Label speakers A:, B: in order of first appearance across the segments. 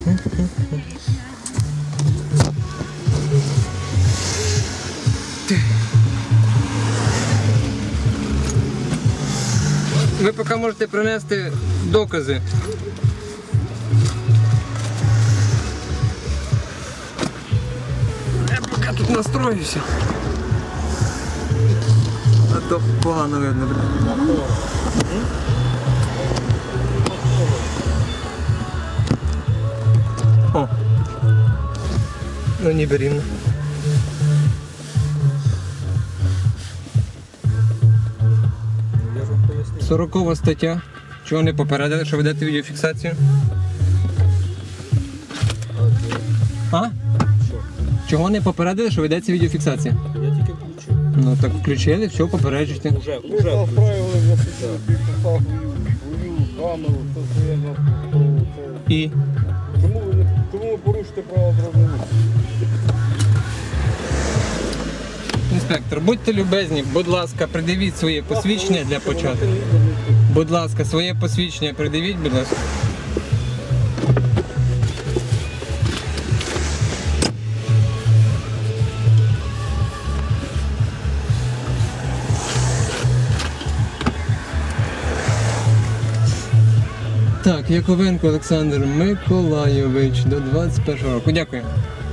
A: Ви поки можете принести докази. Я поки тут настроюся. А то погано видно, блядь. О! Ну ніби рівно.
B: Я ж вам пояснив.
A: 40 стаття. Чого не попередили, що ведете відеофіксацію? А?
B: Що?
A: Чого не попередили, що ведеться відеофіксація?
B: Я тільки включив.
A: Ну так включили, все, попереджуйте.
B: Уже
C: Ви заправили за свою камеру, все своє на це.
A: І
C: Чому ви порушите право дорожнього руху?
A: інспектор, будьте любезні, будь ласка, придивіть своє посвідчення для початку. Будь ласка, своє посвідчення придивіть, будь ласка. Так, Яковенко Олександр Миколайович до 21 року. Дякую.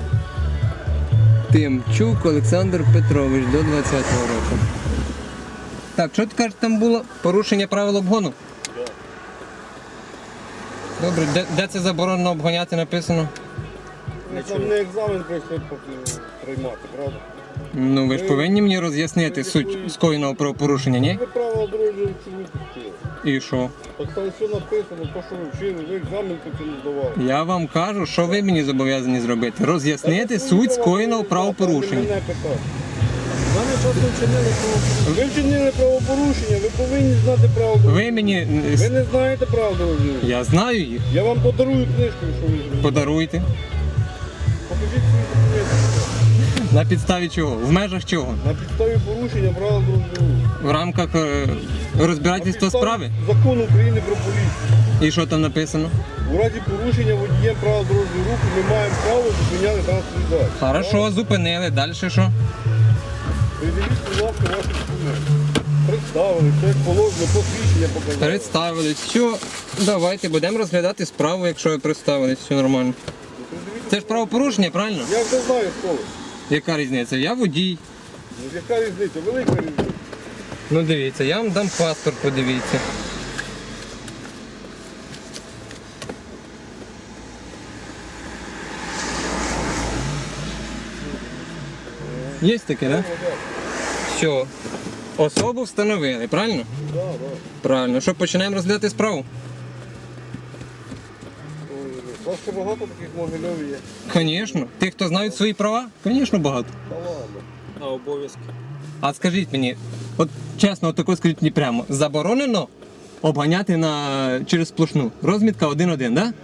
A: Тимчук Олександр Петрович до 20-го року. Так, що ти кажеш, там було порушення правил обгону? Добре, де це заборонено обганяти написано?
C: Там не екзамен прийшли поки приймати, правда?
A: Ну ви ж повинні мені роз'яснити суть скоєного правопорушення, ні?
C: Ви право дорожнього руху вчили.
A: І що?
C: Так там все написано, то що ви вчили, ви екзамен поки не здавали.
A: Я вам кажу, що ви мені зобов'язані зробити. Роз'яснити суть скоєного правопорушення.
C: Мене питати.
B: Мене просто вчинили правопорушення.
C: Ви вчинили правопорушення, ви повинні знати право дорожнього
A: Ви мені...
C: руху. Ви не знаєте право дорожнього руху.
A: Я знаю їх.
C: Я вам подарую книжку, що ви зробили.
A: Подаруйте.
C: Покажіть свої документи.
A: На підставі чого? В межах чого?
C: На підставі порушення правил дорожнього руху.
A: В рамках розбирательства справи?
C: Закону України про поліцію.
A: І що там написано?
C: У разі порушення водієм правил дорожнього руху ми маємо право зупиняти транспортний засіб.
A: Хорошо, зупинили. Далі що?
C: Придивіть, будь ласка, ваші документи. Представили, все як положено, посвідчення показали.
A: Представились. Все, давайте будемо розглядати справу, якщо ви представились, все нормально. Це ж правопорушення, правильно?
C: Я вже знаю, хто ви.
A: Яка різниця? Я водій.
C: Ну, яка різниця? Велика різниця.
A: Ну дивіться, я вам дам паспорт, подивіться. Є таке, так? Да? Все. Особу встановили, правильно?
C: Так, так.
A: Правильно. Що, починаємо розглядати справу?
C: У вас ще багато таких могильов є.
A: Звісно. Тих, хто знають свої права? Звісно, багато.
C: Та ладно.
B: А обов'язки?
A: А скажіть мені, от чесно, отако скажіть мені прямо, заборонено обганяти через сплошну? Розмітка 1-1, так? Да?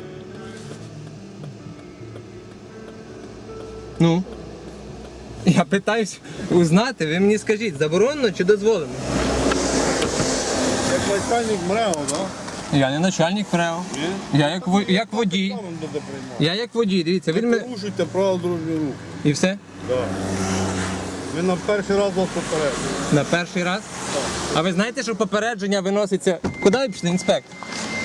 A: Ну? Я питаюсь узнати, ви мені скажіть, заборонено чи дозволено?
C: Як начальник МРЕО, так?
A: Я не начальник ПРЕО.
C: Ні?
A: Я як водій.
C: Екзамен буде приймати.
A: Я як водій, дивіться,
C: Ви
A: він мене...
C: порушуєте право дорожнього руху.
A: І все?
C: Так. Ви на перший раз вас попередили.
A: На перший раз? А ви знаєте, що попередження виноситься... Куди ви пішли, інспектор?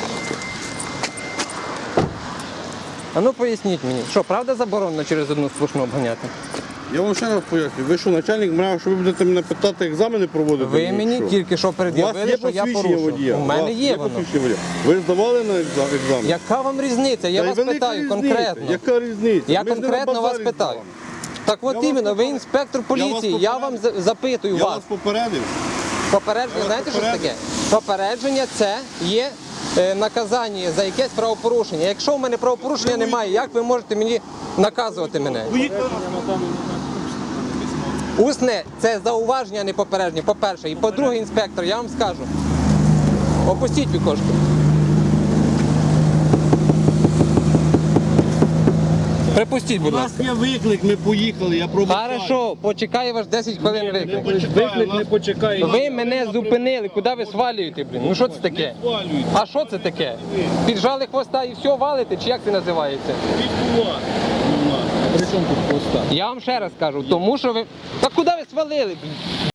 A: А ну поясніть мені, що, правда заборонено через одну сплошну обганяти?
C: Я вам ще раз поясню. Ви що, начальник МРЕО, що ви будете мене питати, екзамени проводити?
A: Ви мені
C: Що?
A: тільки що
C: У вас
A: пред'явили,
C: є
A: що я
C: посвідчення
A: порушив.
C: водія?
A: У мене
C: вас
A: є воно.
C: посвідчення водія? Ви здавали на екзамен?
A: Яка вам різниця? Я
C: Та й
A: вас
C: велика
A: питаю
C: різниця.
A: конкретно.
C: Яка різниця?
A: Я
C: Ми ж не на
A: конкретно вас
C: базарі
A: питаю.
C: з вами.
A: Так от
C: Я вас
A: іменно, ви
C: попередив.
A: інспектор поліції,
C: вас
A: я вам запитую
C: Я
A: вас.
C: вас попередив.
A: Попередження,
C: Я вас
A: знаєте, що це
C: попередив.
A: таке? Попередження це є наказання за якесь правопорушення. Якщо в мене правопорушення немає, як ви можете мені наказувати мене? Усне це зауваження, а не попередження, по-перше. І по-друге, інспектор, я вам скажу. Опустіть вікошко. Припустіть, будь
C: У
A: ласка.
C: нас є виклик, ми поїхали, я пробував.
A: Хорошо, почекаю ваш 10 хвилин виклик.
B: Виклик не почекає.
A: Ви мене зупинили, куди ви свалюєте, блін? Ну що це таке?
C: Свалюють.
A: А що це таке? Піджали хвоста і все валите, чи як це називається?
C: Відбувати.
B: При чому тут хвоста?
A: Я вам ще раз кажу, тому що ви... Та куди ви свалили, блін?